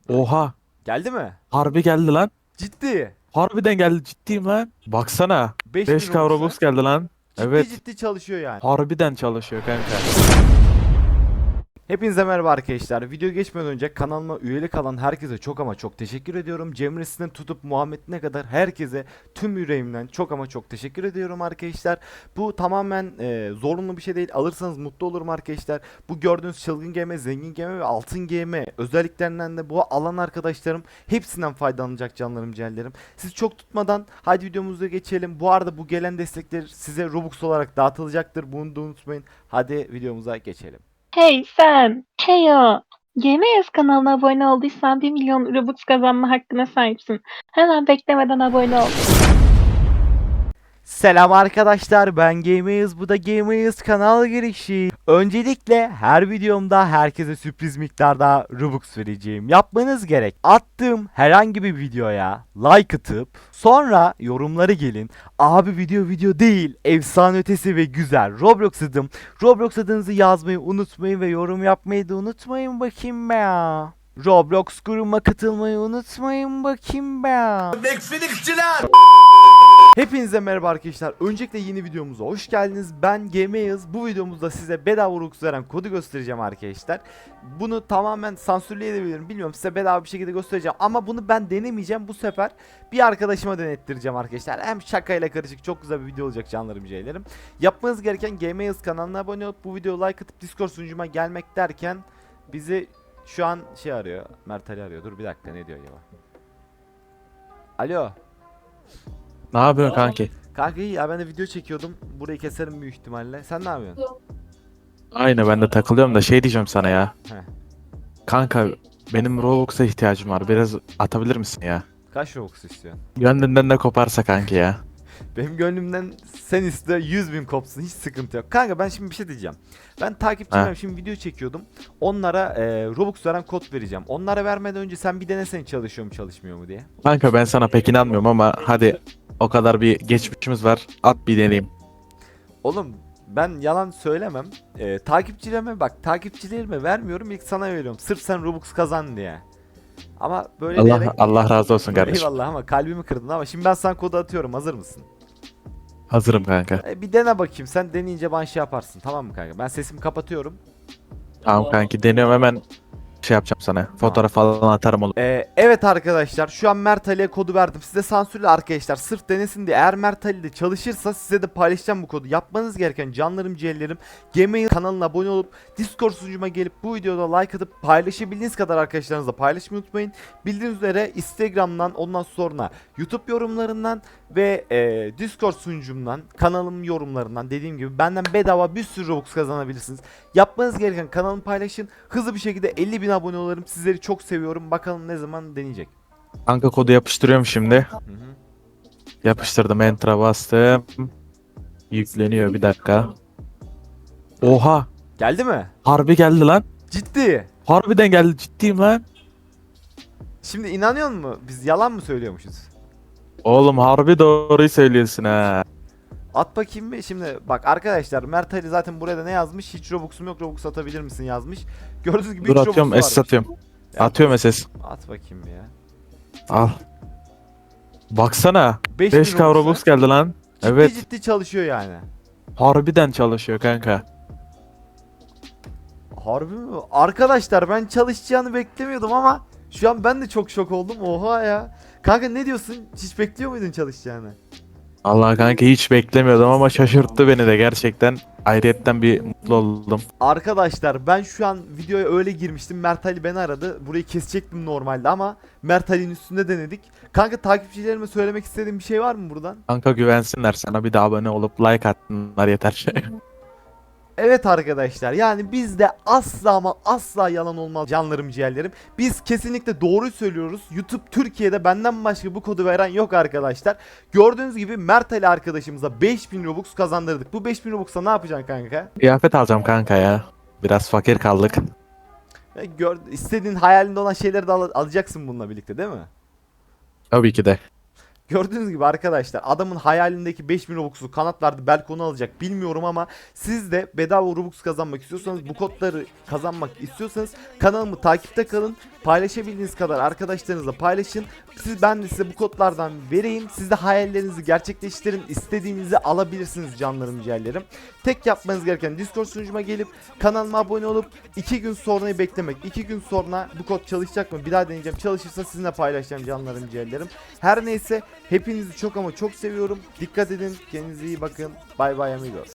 Oha. Geldi mi? Harbi geldi lan. Ciddi. Harbiden geldi, ciddiyim lan. Baksana. 5000 5K Robux'la. Robux geldi lan. Ciddi Evet. ciddi çalışıyor yani. Harbiden çalışıyor kanka. Hepinize merhaba arkadaşlar. Video geçmeden önce kanalıma üyelik alan herkese çok ama çok teşekkür ediyorum. Cemre'sinden tutup Muhammed'ine kadar herkese tüm yüreğimden çok ama çok teşekkür ediyorum arkadaşlar. Bu tamamen zorunlu bir şey değil. Alırsanız mutlu olurum arkadaşlar. Bu gördüğünüz çılgın gemi, zengin gemi ve altın gemi özelliklerinden de bu alan arkadaşlarım hepsinden faydalanacak canlarım ciğerlerim. Siz çok tutmadan hadi videomuza geçelim. Bu arada bu gelen destekler size Robux olarak dağıtılacaktır. Bunu da unutmayın. Hadi videomuza geçelim. Hey sen! Heyo! GMS kanalına abone olduysan 1 milyon Robux kazanma hakkına sahipsin. Hemen beklemeden abone ol. Selam arkadaşlar, ben Gameyiz, bu da Gameyiz kanal girişi. Öncelikle her videomda herkese sürpriz miktarda Robux vereceğim. Yapmanız gerek, attığım herhangi bir videoya like atıp sonra yorumları gelin. Abi video değil, efsane ötesi ve güzel Roblox adım. Roblox adınızı yazmayı unutmayın ve yorum yapmayı da unutmayın bakayım be ya. Roblox grubuma katılmayı unutmayın bakayım be ya. Hepinize merhaba arkadaşlar. Öncelikle yeni videomuza hoş geldiniz. Ben Gameyiz. Bu videomuzda size bedava Robux veren kodu göstereceğim arkadaşlar. Bunu tamamen sansürleyebilirim. Bilmiyorum, size bedava bir şekilde göstereceğim. Ama bunu ben denemeyeceğim. Bu sefer bir arkadaşıma denettireceğim arkadaşlar. Hem şakayla karışık çok güzel bir video olacak canlarım ciğerlerim. Yapmanız gereken Gameyiz kanalına abone olup bu videoya like atıp Discord sunucuma gelmek derken bizi şu an şey arıyor. Mert Ali arıyor. Dur bir dakika, ne diyor acaba? Alo. Ne yapıyorsun kanki? Kanka iyi ya, ben de video çekiyordum. Burayı keserim büyük ihtimalle. Sen ne yapıyorsun? Aynı, ben de takılıyorum da şey diyeceğim sana ya. Heh. Kanka, benim Robux'a ihtiyacım var. Biraz atabilir misin ya? Kaç Robux istiyorsun? Gönlünden de koparsa kanki ya. Benim gönlümden sen iste 100.000 kopsun, hiç sıkıntı yok. Kanka ben şimdi bir şey diyeceğim. Ben takipçilerim, Ha. şimdi video çekiyordum. Onlara Robux veren kod vereceğim. Onlara vermeden önce sen bir denesene çalışıyor mu çalışmıyor mu diye. Kanka ben sana pek inanmıyorum ama hadi, o kadar bir geçmişimiz var. At bir deneyeyim. Oğlum ben yalan söylemem. Takipçilerime bak, takipçilerime vermiyorum, ilk sana veriyorum. Sırf sen Robux kazan diye. Ama böyle Allah diyerek Allah razı olsun kardeşim. eyvallah, ama kalbimi kırdın. Ama şimdi ben sana kodu atıyorum, hazır mısın? Hazırım kanka. Bir dene bakayım, sen deneyince bana şey yaparsın, tamam mı kanka? Ben sesimi kapatıyorum. Tamam kanki, deniyorum hemen, şey yapacağım sana. Fotoğraf falan atarım oğlum. Evet arkadaşlar, şu an Mert Ali'ye kodu verdim. Size sansürlü arkadaşlar, sırf denesin diye. Eğer Mert Ali de çalışırsa size de paylaşacağım bu kodu. Yapmanız gereken canlarım ciğerlerim, Gmail kanalına abone olup Discord sunucuma gelip bu videoda like atıp paylaşabildiğiniz kadar arkadaşlarınızla paylaşmayı unutmayın. Bildiğiniz üzere Instagram'dan, ondan sonra YouTube yorumlarından ve Discord sunucumdan, kanalım yorumlarından, dediğim gibi benden bedava bir sürü Robux kazanabilirsiniz. Yapmanız gereken kanalımı paylaşın. Hızlı bir şekilde 50.000 abone olalım. Sizleri çok seviyorum. Bakalım ne zaman deneyecek. Kanka kodu yapıştırıyorum şimdi. Hı hı. Yapıştırdım, enter'a bastım. Yükleniyor, bir dakika. Oha. Geldi mi? Harbi geldi lan. Ciddi. Harbiden geldi, ciddiyim lan. Şimdi inanıyor musun? Biz yalan mı söylüyormuşuz? Oğlum harbi doğruyu söylüyorsun ha. At bakayım bir. Şimdi bak arkadaşlar, Mert Ali zaten buraya da ne yazmış? Hiç Robux'um yok, Robux atabilir misin yazmış. Gördüğünüz gibi Dur 3 atıyorum, Robux'u SS varmış. atıyorum. Ya, Atıyorum SS. at bakayım bir ya. Al. Baksana. 5000 5K Robux geldi lan. Ciddi Evet. ciddi çalışıyor yani. Harbiden çalışıyor kanka. Harbi mi? Arkadaşlar ben çalışacağını beklemiyordum ama şu an ben de çok şok oldum. Oha ya. Kanka ne diyorsun? Hiç bekliyor muydun çalışacağını? Allah kanka, hiç beklemiyordum ama şaşırttı beni de gerçekten. Ayrıyetten bir mutlu oldum. Arkadaşlar ben şu an videoya öyle girmiştim. Mert Ali beni aradı. Burayı kesecektim normalde ama Mert Ali'nin üstünde denedik. Kanka takipçilerime söylemek istediğim bir şey var mı buradan? Kanka güvensinler sana, bir de abone olup like atsınlar yeter. Evet arkadaşlar, yani bizde asla ama asla yalan olmaz canlarım ciğerlerim. Biz kesinlikle doğruyu söylüyoruz. YouTube Türkiye'de benden başka bu kodu veren yok arkadaşlar. Gördüğünüz gibi Mert Ali arkadaşımıza 5000 Robux kazandırdık. Bu 5000 Robux'a ne yapacaksın kanka? Kıyafet alacağım kanka ya. Biraz fakir kaldık. İstediğin hayalinde olan şeyleri de alacaksın bununla birlikte, değil mi? Tabii ki de. Gördüğünüz gibi arkadaşlar adamın hayalindeki 5000 Robux'u kanat verdi, belki onu alacak bilmiyorum ama siz de bedava Robux kazanmak istiyorsanız, bu kodları kazanmak istiyorsanız kanalımı takipte kalın. Paylaşabildiğiniz kadar arkadaşlarınızla paylaşın. Ben de size bu kodlardan vereyim. Siz de hayallerinizi gerçekleştirin. İstediğinizi alabilirsiniz canlarım ciğerlerim. Tek yapmanız gereken Discord sunucuma gelip kanalıma abone olup 2 gün sonrayı beklemek. 2 gün sonra bu kod çalışacak mı? Bir daha deneyeceğim. Çalışırsa sizinle paylaşacağım canlarım ciğerlerim. Her neyse hepinizi çok ama çok seviyorum. Dikkat edin. Kendinize iyi bakın. Bay bay amigos.